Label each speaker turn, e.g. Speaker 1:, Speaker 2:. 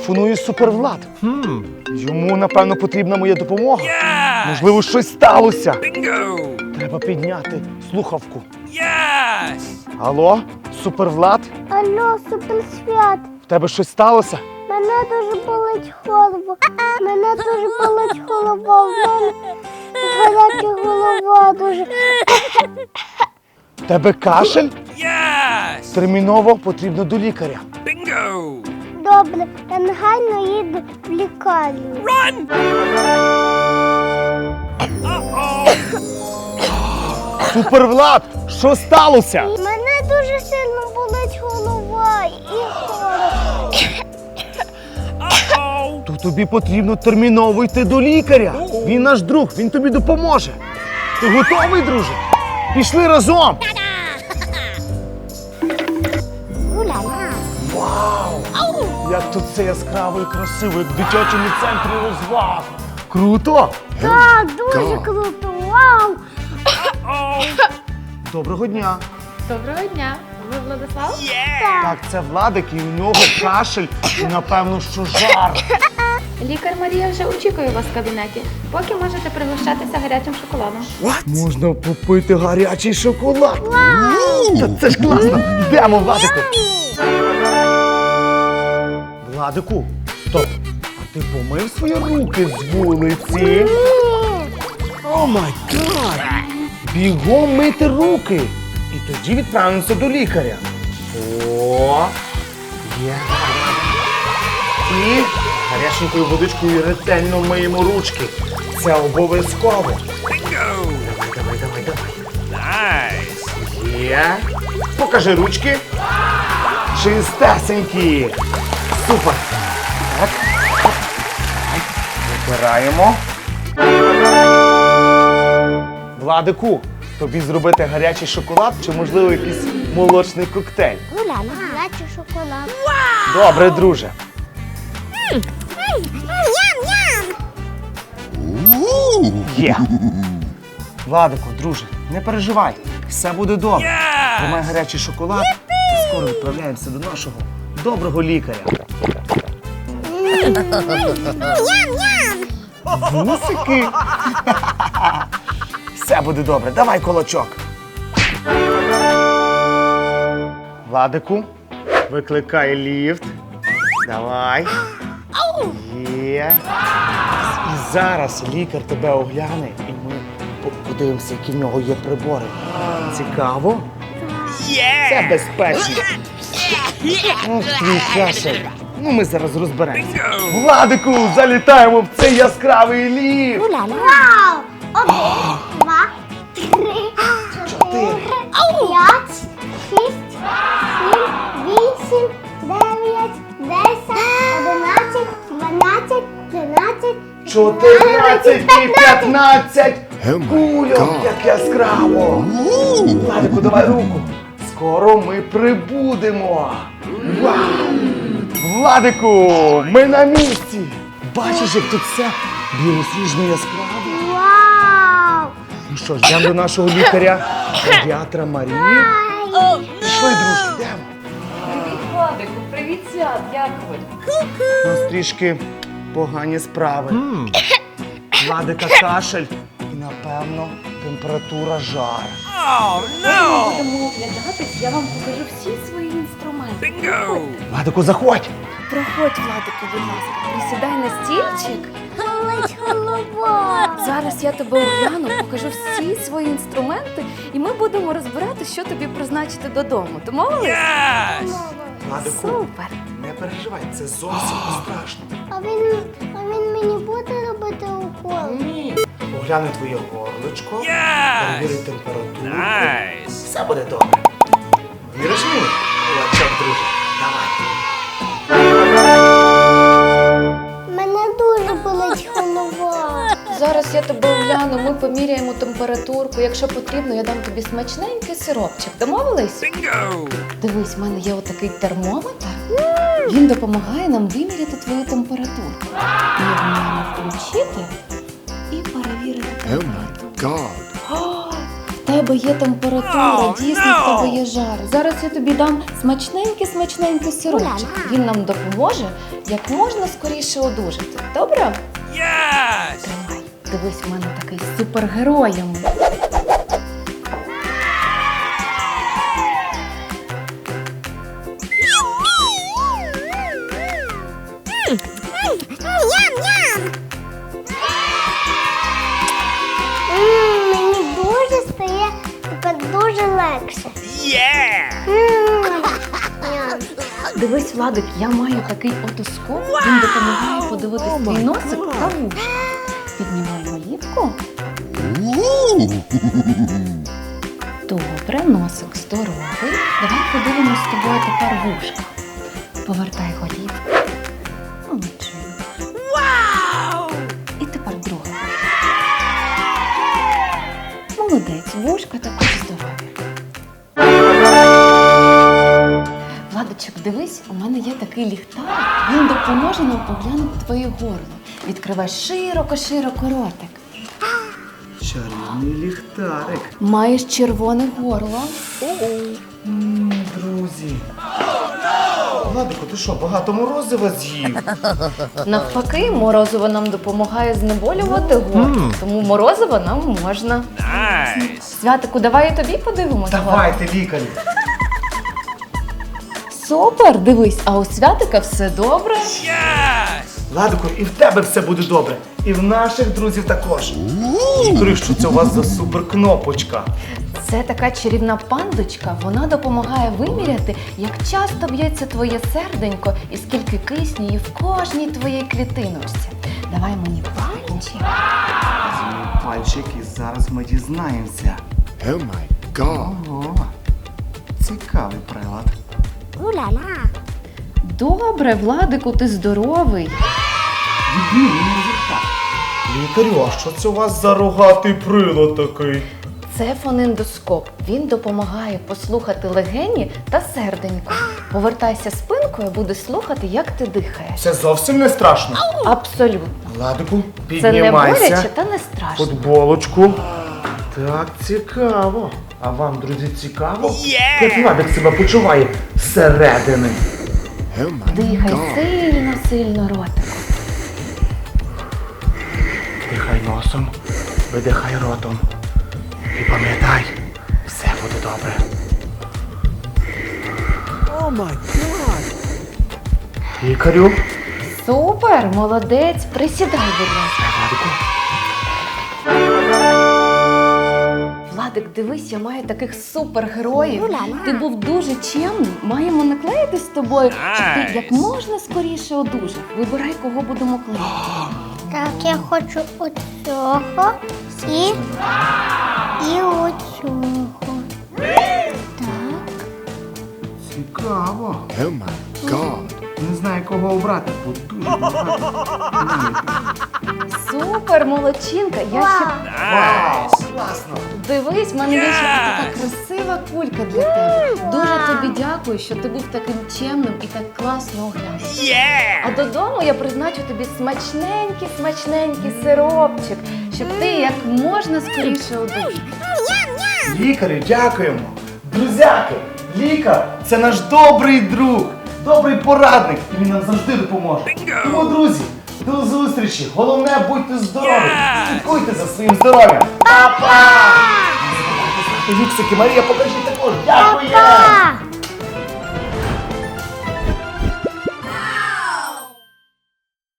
Speaker 1: Телефоную Супервлад. Йому, напевно, потрібна моя допомога. Можливо, щось сталося. Треба підняти слухавку. Алло, Супервлад?
Speaker 2: Алло, Суперсвят.
Speaker 1: В тебе щось сталося?
Speaker 2: Мене дуже болить голова. Мене дуже болить голова. В мене гаряча голова дуже.
Speaker 1: В тебе кашель? Терміново потрібно до лікаря.
Speaker 2: Добре, я негайно їду в лікарню.
Speaker 1: Супервлад, що сталося?
Speaker 2: Мене дуже сильно болить голова і голова.
Speaker 1: То тобі потрібно терміново йти до лікаря. Він наш друг, він тобі допоможе. Ти готовий, друже? Пішли разом. Вау! Як тут все яскраво і красиво, як в дитячому центрі розваг. Круто!
Speaker 2: Так, дуже круто. Вау!
Speaker 1: Доброго дня.
Speaker 3: Доброго дня. Ви Владислав?
Speaker 1: Так, це Владик, і у нього кашель, і напевно, що жар.
Speaker 3: Лікар Марія вже очікує вас в кабінеті. Поки можете пригощатися гарячим шоколадом.
Speaker 1: Можна попити гарячий шоколад. Та це ж класно. Йдемо, Владику. Владику, стоп. А ти помив свої руки з вулиці? О май гад! Бігом мити руки. І тоді відправимося до лікаря. О, є. І гаряченькою водичкою ретельно миємо ручки. Це обов'язково. Давай. Є. Покажи ручки. Чистесенькі. Супер. Так. Витираємо. Владику, тобі зробити гарячий шоколад чи, можливо, якийсь молочний коктейль?
Speaker 2: Гуляна, гарячий шоколад.
Speaker 1: Добре, друже. Є. Владику, друже, не переживай. Все буде добре. Тримай гарячий шоколад і скоро відправляємося до нашого доброго лікаря. Вусики. Все буде добре. Давай кулачок. Владику, викликай ліфт. Давай. Є. І зараз лікар тебе огляне, і ми подивимося, які в нього є прибори. Цікаво? Це безпечно. Ох, твій кашель. Ну, ми зараз розберемося. Владику, залітаємо в цей яскравий ліфт.
Speaker 2: Гуляна. Вау! 1, 2, 3, 4, 5, 6, 7, 8, 9, 10, 11, 12, 13,
Speaker 1: 14 і 15. Кульок, як яскраво. Владику, давай руку. Скоро ми прибудемо. Вау! Владику, ми на місці. Бачиш, як тут все білосніжно яскраво.
Speaker 2: Вау!
Speaker 1: Ну що ж, йдемо до нашого лікаря, педіатра Марії. Пішли, друзі, йдемо.
Speaker 3: Привіт, Владику. Привіт, Свят. Як ви?
Speaker 1: У нас трішки погані справи. Владика кашель і, напевно, температура жар.
Speaker 3: Ми будемо оглядатись, я вам покажу всі свої інструменти.
Speaker 1: Владику, заходь.
Speaker 3: Проходь, Владику, будь ласка. Присідай на стільчик.
Speaker 2: Болить голова.
Speaker 3: Зараз я тебе огляну, покажу всі свої інструменти, і ми будемо розбирати, що тобі призначити додому. Домовились?
Speaker 1: Владику,
Speaker 3: Супер!
Speaker 1: не переживай, це зовсім не страшно.
Speaker 2: А він мені буде робити укол?
Speaker 1: Ні. Огляне твоє горличко, перевірить температуру. Все буде добре. Віриш мені? Кулачок, друже. Давай.
Speaker 2: Мене дуже болить голова.
Speaker 3: Зараз я тебе огляну, ми поміряємо температурку. Якщо потрібно, я дам тобі смачненький сиропчик. Домовились? Дивись, в мене є отакий термометр. Він допомагає нам виміряти твою температуру. Ми його маємо включити і перевірити температуру. О, в тебе тебе є температура, дійсно в тебе є жар. Зараз я тобі дам смачненький сиропчик. Він нам допоможе як можна скоріше одужати. Добре? Тримай. Дивись, у мене такий супергерой.
Speaker 2: Мені дуже стає тепер дуже легше. Ням.
Speaker 3: Дивись, Владик, я маю такий отоскоп. Він допомагає подивитись твій носик та вушка. Піднімаємо ліпку. Добре, носик здоровий. Давай подивимось з тобою тепер вушка. Повертай голівку. Молодчинка. І тепер друга вушка. Молодець, вушка також здорові. Владочок, дивись, у мене є такий ліхтар. Він допоможе нам поглянути твоє горло. Відкривай широко ротик.
Speaker 1: Чарівний ліхтарик.
Speaker 3: Маєш червоне горло.
Speaker 1: Друзі. Владику, ти що, багато морозива з'їв?
Speaker 3: Навпаки, морозиво нам допомагає знеболювати горло, тому морозиво нам можна. Святику, давай і тобі подивимось.
Speaker 1: Давайте, лікарі.
Speaker 3: Супер, дивись, а у Святика все добре?
Speaker 1: Владику, і в тебе все буде добре. І в наших друзів також. Лікарі, що це у вас за суперкнопочка?
Speaker 3: Це така чарівна пандочка, вона допомагає виміряти, як часто б'ється твоє серденько і скільки кисню є в кожній твоїй клітиночці. Давай мені пальчик.
Speaker 1: Візьмемо пальчик і зараз ми дізнаємося.
Speaker 4: Oh my god.
Speaker 1: Ого, цікавий прилад.
Speaker 2: Уля-ля.
Speaker 3: Добре, Владику, ти здоровий.
Speaker 1: Відмінний результат. Лікарю, а що це у вас за рогатий прилад такий?
Speaker 3: Це фонендоскоп. Він допомагає послухати легені та серденько. Повертайся спинкою, буде слухати, як ти дихаєш.
Speaker 1: Це зовсім не страшно.
Speaker 3: Абсолютно.
Speaker 1: Владику,
Speaker 3: Це не
Speaker 1: піднімайся.
Speaker 3: боляче та не страшно.
Speaker 1: Футболочку. Так, цікаво. А вам, друзі, цікаво? Як Владик себе почуває зсередини?
Speaker 4: Oh my
Speaker 3: Дихай
Speaker 4: god.
Speaker 3: сильно ротиком.
Speaker 1: Дихай носом, видихай ротом. І пам'ятай, все буде добре.
Speaker 4: Oh my god.
Speaker 1: Лікарю.
Speaker 3: Супер, молодець, присідай, будь ласка.
Speaker 1: Владику.
Speaker 3: Владик, дивись, я маю таких супергероїв. Ти був дуже чемний. Маємо наклеїти з тобою, щоб ти як можна скоріше одужав. Вибирай, кого будемо клеїти.
Speaker 2: Так, я хочу оцього і оцього. Так.
Speaker 1: Цікаво.
Speaker 4: Oh my god.
Speaker 1: Не знаю, кого обрати, бо дуже багато.
Speaker 3: Супер, молодчинка. Я ще
Speaker 1: Вау, класно.
Speaker 3: дивись, в мене є ще така красива кулька для тебе. Дуже тобі дякую, що ти був таким чемним і так класно оглянув. А додому я призначу тобі смачненький сиропчик, щоб ти як можна скоріше одужав.
Speaker 1: Лікарю, дякуємо. Друзяки, лікар – це наш добрий друг, добрий порадник, і він нам завжди допоможе. Тому, друзі, до зустрічі. Головне, будьте здорові. Слідкуйте за своїм здоров'ям. Па-па! Не забувайте ставити віксики. Марія, покажіть також. Дякую!
Speaker 2: Па!